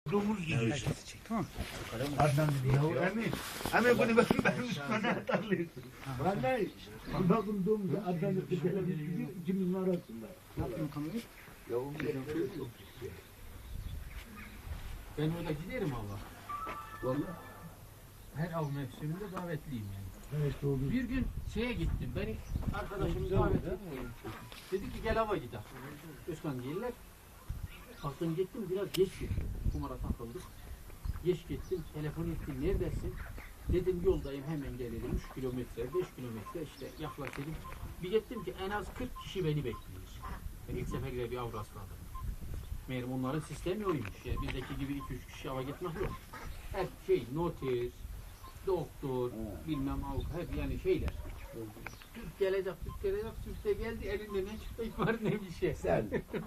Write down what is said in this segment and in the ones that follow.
Domuz yiyor. Tamam. Adnan dedi ya emin. Emin bunu ben üstüne atarlayayım. Vallahi bakın domuz Adnan dedi gelebilir ikimizin arasında. Yaptım kamerayı. Yavrum yok. Ben orada giderim Allah. Vallahi. Her av mevsiminde davetliyim yani. Evet oldu. Bir gün şeye gittim. Beni arkadaşım davet etti. Dedi ki gel hava gidelim. Özkan gelirler. Kalktım gittim biraz geç gittim. Kumara takıldık. Geç gittim. Telefon ettim. Neredesin? Dedim yoldayım hemen gelelim. 3 kilometre, 5 kilometre işte yaklaştım. Bir gittim ki en az 40 kişi beni bekliyor. Ben ilk seferde bir av rastladım. Meğerim onların sistemi oymuş. Yani bizdeki gibi 2-3 kişi ava gitmek yok. Her şey noter, doktor, bilmem avukat, hep yani şeyler. Türk gelecek, Türk de geldi, elinde ne çıktık var ne bir şey. Sen.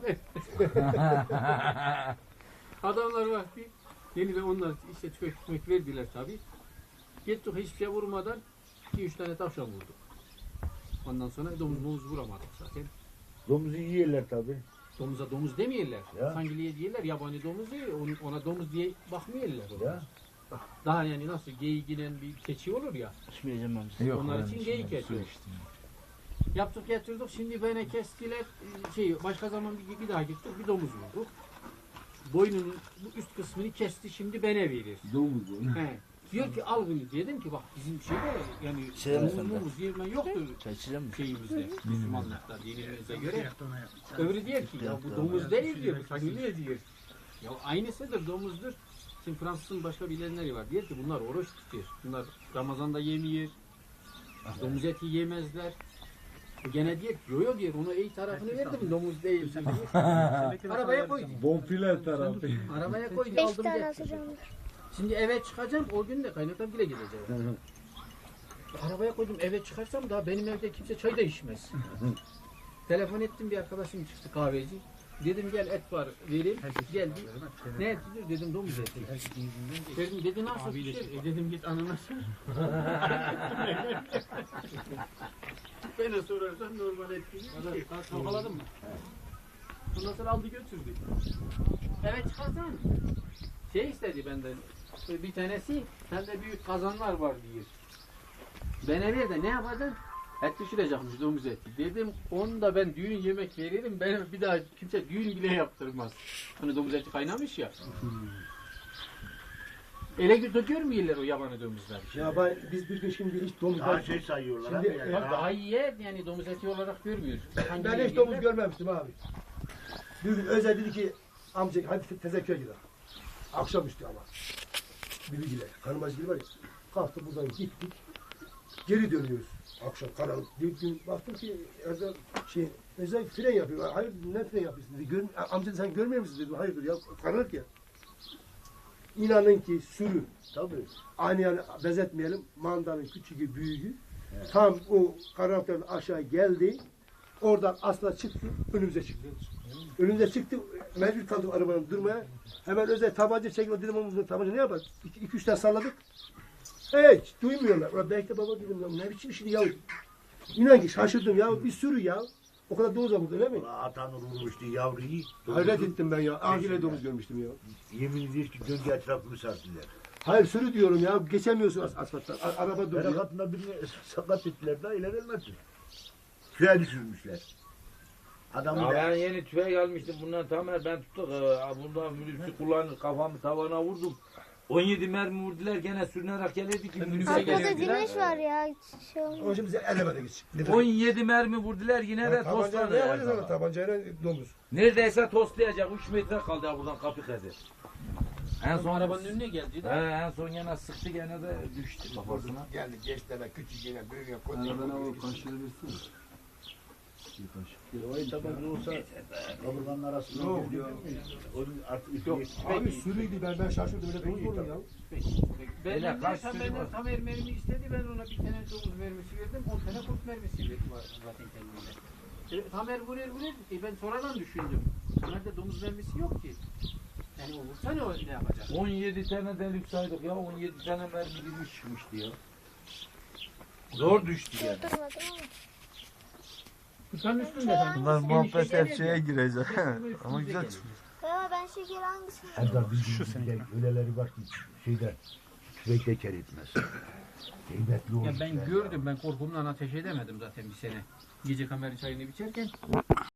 Adamlar vakti, yeniden onlar işte tüfek verdiler tabi. Gittik hiçbir şey vurmadan 2-3 tane tavşan vurduk. Ondan sonra domuz vuramadık zaten. Domuzu yiyorlar tabi. Domuza domuz demeyeler. Ya. Sangiliye diyorlar, yabani domuz değil, ona domuz diye bakmıyorlar. Ya. Daha yani nasıl geyikinen bir keçi olur ya. İçmeyeceğim ben. Onlar için geyik etiyor. Yaptık getirdik. Şimdi bana kestiler. Başka zaman bir daha gittik. Bir domuz vurduk. Boynunun bu üst kısmını kesti. Şimdi bana verir. Domuz bu. He. Diyor ki al bunu. Dedim ki bak bizim şeyde yani domuz yeme yoktur şeyimizde. Müslümanlıkta dinimize göre. Öbürü diyor ki ya bu domuz değil diyor. Bu sangiliye diyor. Ya aynısıdır domuzdur. Şimdi Fransız'ın başka bilenleri var. Diyor ki bunlar oruç tutuyor. Bunlar Ramazan'da yemiyor. Domuz eti yemezler. Gene diyor yo diyor onu iyi tarafını verdim domuz değil. Arabaya koydum. Bonfile tarafı. Arabaya koydum 5 aldım tane getirdim. atacağım. Şimdi eve çıkacağım o gün de kaynaktan bile gideceğim. Arabaya koydum eve çıkarsam daha benim evde kimse çay da içmez. Telefon ettim bir arkadaşım çıktı kahveci. Dedim gel et var vereyim. Geldi. Ne etidir dedim domuz eti. Dedim dedi nasıl pişir? Dedim git anana sor. Bana sorarsan normal et gibi. Kalkaladın mı? Ondan sonra aldı götürdü. Evet çıkarsan. Şey istedi benden. Bir tanesi sende büyük kazanlar var diyor. Bana ver de ne yapacaksın? Et pişirecekmiş domuz eti. Dedim onu da ben düğün yemek veririm. Ben bir daha kimse düğün bile yaptırmaz. Hani domuz eti kaynamış ya. Ele görmüyorlar o yabani domuzlar. Ya biz bir gün şimdi hiç domuz Daha şey sayıyorlar Şimdi- abi yani. Bak daha iyi yani domuz eti olarak görmüyor. ben hiç domuz görmemiştim abi. Bir gün Özel dedi ki amca hadi tezekküre gidelim. Akşamüstü ama. Bilgiler, kanımacı var ya. Kalktı buradan gittik. Geri dönüyoruz. Akşam karanlık. Bir gün baktım ki Özel Özel fren yapıyor. Hayır ne fren yapıyorsun dedi. Amca sen görmüyor musun dedim. Hayırdır ya karanlık ya. İnanın ki sürü. Tabii. Aynı yani benzetmeyelim. Mandanın küçüğü büyüğü. Evet. Tam o karanlıktan aşağı geldi. Oradan asla çıktı. Önümüze çıktı. Önümüze çıktı. Mecbur kaldık arabanın durmaya. Hemen Özel tabanca çekti. Dedim onun tabanca ne yapar? 2-3 tane salladık. Hiç duymuyorlar. Ulan belki de baba dedim ya ne biçim işini ya. İnan ki şaşırdım ya. Bir sürü ya. O kadar domuz var öyle mi? Atan vurmuştu yavruyu. Hayret ettim ben ya. Ahire domuz görmüştüm ya. Yemin ediyor ki döndü etrafını sardılar. Hayır sürü diyorum ya. Geçemiyorsun asfalttan. Araba duruyor. Berekatında birini sakat ettiler daha ileri elmezsin. Tüye düşürmüşler. Adamı Ya da ben yeni tüfek almıştım bundan tamamen ben tuttuk. Bundan minibüsü kullanır kafamı tavana vurdum. 17 mermi vurdular gene sürünerek gelirdi ki minibüse Arkada gelirdiler. güneş var ya. Şey olmaz. Onun için bize elemede geç. 17 mermi vurdular yine de Tabancayla ne yapacağız tosladı. ona? Tabancayla domuz. Neredeyse tostlayacak 3 metre kaldı ya buradan kapı kadar. En Son son arabanın önüne geldi de. en son gene sıktı gene de düştü kafasına. Geldi geç deme küçük yine büyük yine koç. o tabanca olsa kaburganın arasından gidiyor. Onun artık üstü Abi sürüydü ben şaşırdım öyle domuz olur ya. Öyle kaç Benden sürü var? tam mermi istedi. Ben ona bir tane domuz mermisi verdim. 10 tane kurt mermisi verdim zaten kendimde. Tamer vurur. Ben sonradan düşündüm. Tamer'de domuz mermisi yok ki. Yani o vursa ne yapacak? 17 tane delik saydık ya 17 tane mermi girmiş çıkmıştı ya. Zor düştü yani. Durmadım ama. Kutanın üstünde. Bunlar muhabbet hep Enişte şeye geldi. girecek. Üstümüze Ama güzel geldi. çıkıyor. Ya ben şeker hangisini? Erdal bizde öyleleri var ki şeyde tüfekle ker etmez. Heybetli olur. Ya ben gördüm, ben korkumdan ateş edemedim zaten bir sene. Gece kameranın çayını içerken